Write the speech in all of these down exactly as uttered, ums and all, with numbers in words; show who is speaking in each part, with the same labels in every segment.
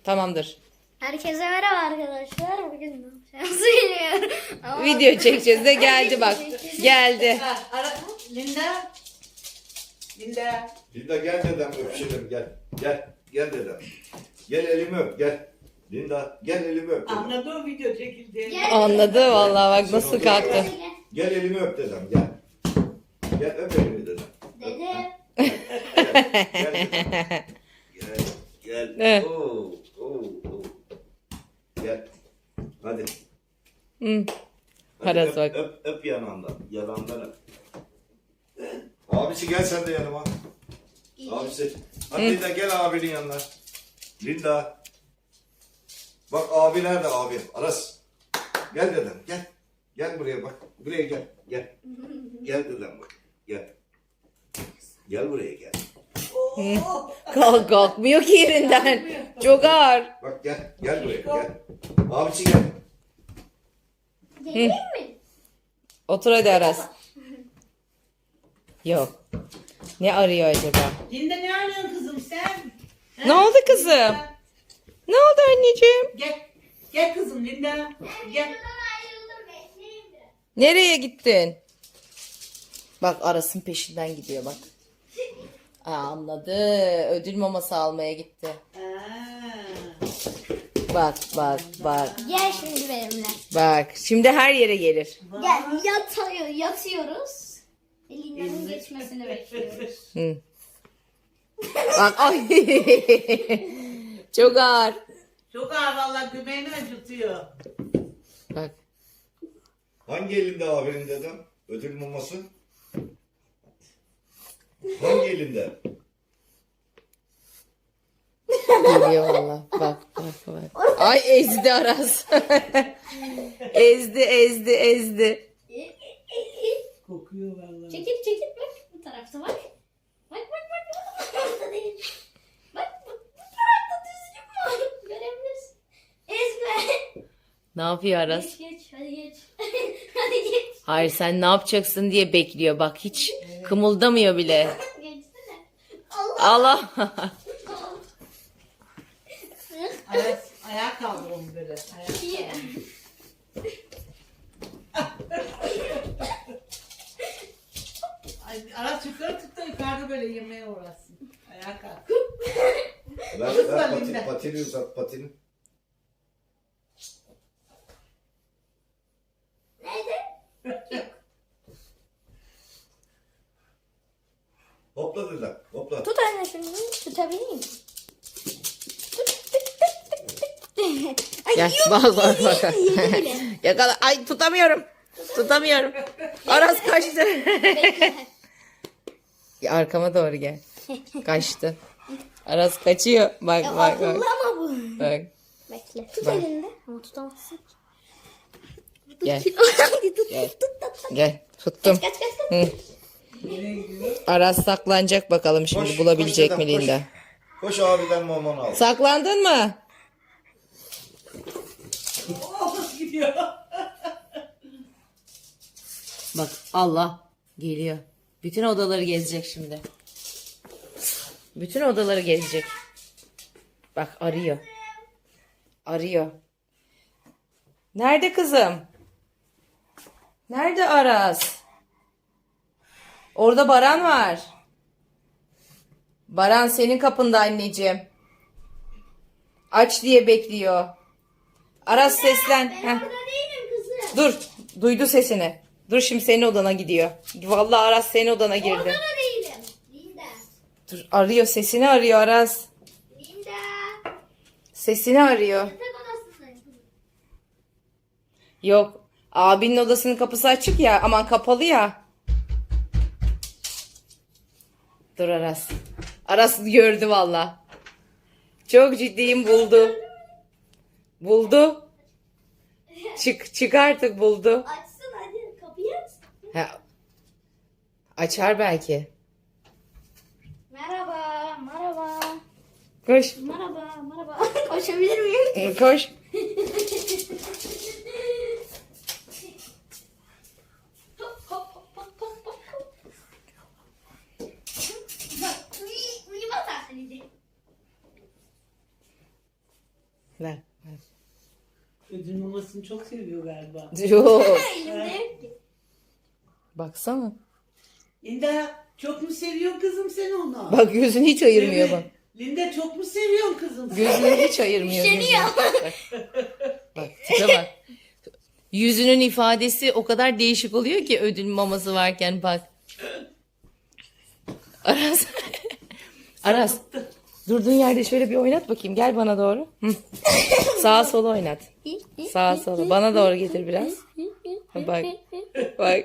Speaker 1: Tamamdır.
Speaker 2: Herkese merhaba arkadaşlar. Bugün ne yapacağız bilmiyorum. Ama
Speaker 1: Video çekeceğiz de geldi bak. Geldi.
Speaker 3: Ha, ara, Linda. Linda.
Speaker 4: Linda gel dedem öpüşelim gel. Gel. Gel dedem. Gel elimi öp gel. Linda gel elimi öp dedem.
Speaker 3: Anladı o video çekildi.
Speaker 2: Gel.
Speaker 1: Anladı vallahi bak nasıl kalktı.
Speaker 4: Gel elimi öp dedem gel. Gel öp elimi dedem.
Speaker 2: Dede.
Speaker 4: Gel dedem. Gel.
Speaker 1: Evet.
Speaker 4: Gel. Oo, oo, oo. Gel. Hadi.
Speaker 1: Hı.
Speaker 4: Hadi
Speaker 1: Aras
Speaker 4: öp,
Speaker 1: bak.
Speaker 4: öp, öp yanağından. Yanağından öp. Abisi gel sen de yanıma. Abisi. Hadi Linda gel abinin yanına. Linda. Bak abi nerede abi? Aras. Gel dedem gel. Gel buraya bak. Buraya gel. Gel. Gel dedem bak. Gel. Gel buraya gel.
Speaker 1: Kalk kalkmıyor ki yerinden. Çok ağır.
Speaker 4: Bak gel. Gel buraya gel. Abisi gel.
Speaker 2: Geleyim mi?
Speaker 1: Otur hadi Aras. Yok. Ne arıyor acaba?
Speaker 3: Linda ne arıyorsun kızım sen?
Speaker 1: Ne oldu kızım? Ne oldu anneciğim?
Speaker 3: Gel. Gel kızım Linda. Gel.
Speaker 2: Ayrıldım. Bekleyeyim biraz.
Speaker 1: Nereye gittin? Bak Aras'ın peşinden gidiyor bak. Aa, anladı. Ödül maması almaya gitti.
Speaker 3: Aa.
Speaker 1: Bak bak bak.
Speaker 2: Gel şimdi benimle.
Speaker 1: Bak şimdi her yere gelir.
Speaker 2: Gel yatıyor, yatıyoruz. Lina'nın geçmesini bekliyoruz.
Speaker 1: Hı. Bak ay. Çok ağır.
Speaker 3: Çok ağır vallahi göbeğini acıtıyor.
Speaker 1: Bak.
Speaker 4: Hangi elinde abinin dedem? Ödül maması. Hangi elinde?
Speaker 1: Geliyor valla. Bak bak bak. Ay ezdi Aras. ezdi ezdi ezdi.
Speaker 3: Kokuyor vallahi.
Speaker 2: Çekil çekil bak bu tarafta bak. Bak bak bak. Bu tarafta değil. Bak bu, bu tarafta düzgün var. Görebilirsin. Ezme.
Speaker 1: Ne yapıyor Aras?
Speaker 2: Geç geç hadi geç. Hadi geç.
Speaker 1: Hayır sen ne yapacaksın diye bekliyor. Bak hiç kımıldamıyor bile.
Speaker 2: Geçsene. Allah.
Speaker 1: Allah.
Speaker 3: Ayak, ayağa kaldır onu böyle. Ayağa.
Speaker 2: İyi.
Speaker 3: Ay, Aras yukarı tut da yukarıda böyle yemeğe uğraşsın. Ayağa kalk.
Speaker 4: Ver,
Speaker 3: Kızma
Speaker 4: ver patin,
Speaker 3: Linda.
Speaker 4: patini uzat patini.
Speaker 2: Nerede?
Speaker 4: Hopla dedem hopla.
Speaker 2: Tut anne şunu. Tutabilir miyim?
Speaker 1: Gel bak bak bak. Yakala. Ay tutamıyorum. Tutamıyorum. Aras kaçtı. Ya, arkama doğru gel. Kaçtı. Aras kaçıyor. Bak
Speaker 2: Ya
Speaker 1: bak bak.
Speaker 2: akıllı ama bu.
Speaker 1: Bak.
Speaker 2: Bekle. Tut
Speaker 1: Bak.
Speaker 2: elinde. Ama tutamazsın.
Speaker 1: Gel.
Speaker 2: Hadi tut.
Speaker 1: Gel.
Speaker 2: Tut tut tut.
Speaker 1: Gel. Tuttum.
Speaker 2: Kaç kaç kaç.
Speaker 1: Hı.
Speaker 3: Nereye gidiyor?
Speaker 1: Aras saklanacak bakalım şimdi
Speaker 4: Koş,
Speaker 1: bulabilecek
Speaker 4: koş
Speaker 1: mi
Speaker 4: dedem, koş.
Speaker 1: Linda?
Speaker 4: Koş abiden mamanı al.
Speaker 1: Saklandın mı?
Speaker 3: Oh gidiyor.
Speaker 1: Bak Allah geliyor. Bütün odaları gezecek şimdi. Bütün odaları gezecek. Bak arıyor. Arıyor. Nerede kızım? Nerede Aras? Orada Baran var. Baran senin kapında anneciğim. Aç diye bekliyor. Aras seslen. Heh.
Speaker 2: Burada değilim kızım.
Speaker 1: Dur. Duydu sesini. Dur şimdi senin odana gidiyor. Vallahi Aras senin odana girdi.
Speaker 2: Orada da değilim. Linda.
Speaker 1: Dur arıyor sesini arıyor Aras.
Speaker 2: Linda.
Speaker 1: Sesini arıyor.
Speaker 2: Yatak odasındayım.
Speaker 1: Yok. Abinin odasının kapısı açık ya. Aman kapalı ya. Dur Aras. Aras gördü valla. Çok ciddiyim buldu. Buldu. Çık çık artık buldu.
Speaker 2: Açsın hadi kapıyı aç.
Speaker 1: Ha. Açar belki.
Speaker 2: Merhaba, merhaba.
Speaker 1: Koş.
Speaker 2: Merhaba, merhaba. Koşabilir miyim?
Speaker 1: Koş.
Speaker 2: Hop hop hop hop hop hop. Bak, uy- uyuma saatiydi.
Speaker 1: Ver.
Speaker 3: Ödül mamasını çok seviyor galiba.
Speaker 1: Yok.
Speaker 2: Elimde yok ki.
Speaker 1: Baksana.
Speaker 3: Linda çok mu seviyor kızım sen onu?
Speaker 1: Bak gözünü hiç ayırmıyor
Speaker 3: Evet.
Speaker 1: bak.
Speaker 3: Linda çok mu seviyorsun kızım sen?
Speaker 1: Gözünü hiç ayırmıyor.
Speaker 2: Üşeniyor.
Speaker 1: gözünü. Bak, bak tipe bak. Yüzünün ifadesi o kadar değişik oluyor ki ödül maması varken bak. Aras. Aras. Durduğun yerde şöyle bir oynat bakayım. Gel bana doğru. Hı. Sağa sola oynat. Sağa sola. Bana doğru getir biraz. Bak. Bak.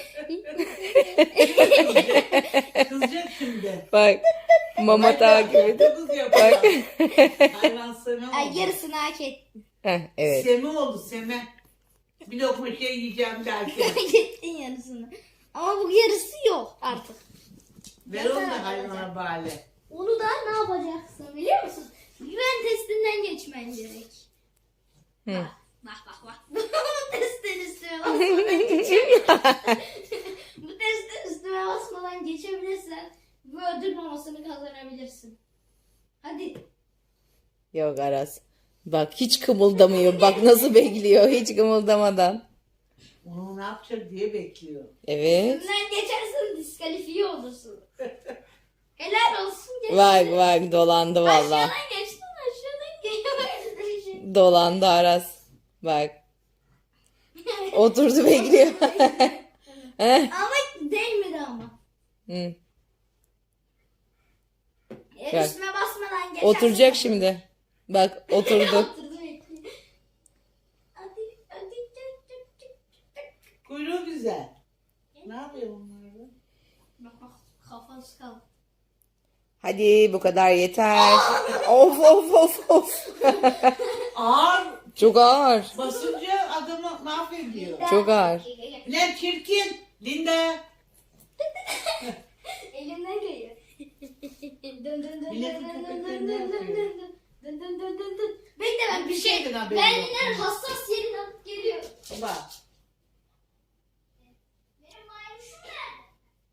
Speaker 3: Kızacak şimdi.
Speaker 1: Bak. Mama takip ediyor.
Speaker 3: Kız yapıyor.
Speaker 1: Bak.
Speaker 3: Hayvan Seme oldu.
Speaker 2: Ay yarısını hak ettin.
Speaker 1: Heh, evet.
Speaker 3: Seme oldu Seme. Bir lokma şey yiyeceğim derken.
Speaker 2: Hak ettin yarısını. Ama bu yarısı yok artık.
Speaker 3: Ver onu da hayvana bari.
Speaker 2: Onu da ne yapacaksın biliyor musun? Güven testinden geçmen gerek.
Speaker 1: Hı.
Speaker 2: Bak bak bak. Bu testin üstüne basmadan geçebilirsin. Bu testin üstüne basmadan geçebilirsen bu ödül mamasını kazanabilirsin. Hadi.
Speaker 1: Yok Aras. Bak hiç kımıldamıyor. Bak nasıl bekliyor hiç kımıldamadan.
Speaker 3: Onu ne yapacak diye bekliyor.
Speaker 1: Evet.
Speaker 2: Üstünden geçersen diskalifiye olursun. Helal olsun geçtin.
Speaker 1: Bak bak dolandı valla.
Speaker 2: Aşağıdan geçtin aşağıdan geçtin.
Speaker 1: Dolandı Aras. Bak. Oturdu bekliyor. Heh.
Speaker 2: Ama değmedi ama.
Speaker 1: Hı.
Speaker 2: E,
Speaker 1: Gel.
Speaker 2: üstüme basmadan geçersen.
Speaker 1: Oturacak şimdi. Bak oturdu.
Speaker 2: Oturdu bekliyor. Hadi hadi çık çık çık çık.
Speaker 3: Kuyruğu güzel. Ne yapıyor bunlar da?
Speaker 2: Bak bak kafası kaldı.
Speaker 1: Hadi bu kadar yeter. Of of of of.
Speaker 3: Ağır
Speaker 1: Çok ağır.
Speaker 3: basınca adamı mahvediyor.
Speaker 1: Çok ağır.
Speaker 3: Lan çirkin. Linda.
Speaker 2: Elimden geliyor. Dön dön dön dön
Speaker 3: Milletin
Speaker 2: dön dön
Speaker 3: köpekleri
Speaker 2: dön
Speaker 3: ne
Speaker 2: dön dön
Speaker 3: yapıyor?
Speaker 2: dön dön dön dön dön dön. Bekle ben bir şey.
Speaker 3: şeyden haberim
Speaker 2: Ben
Speaker 3: yok.
Speaker 2: yine hassas yerin alıp geliyor.
Speaker 3: Bak.
Speaker 2: Benim maymuşum nerede?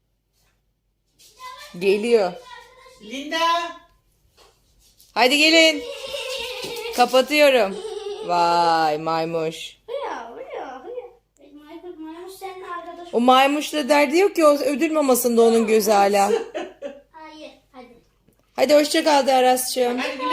Speaker 1: Geliyor.
Speaker 3: Linda.
Speaker 1: Hadi gelin. Kapatıyorum. Vay maymuş.
Speaker 2: Hıya hıya hıya. Maymuş maymuş seninle arkadaş.
Speaker 1: O maymuşla derdi yok ki o ödül mamasında onun gözü hala.
Speaker 2: Hayır hadi.
Speaker 1: Hadi hoşça kal de Aras'cığım.
Speaker 3: Hadi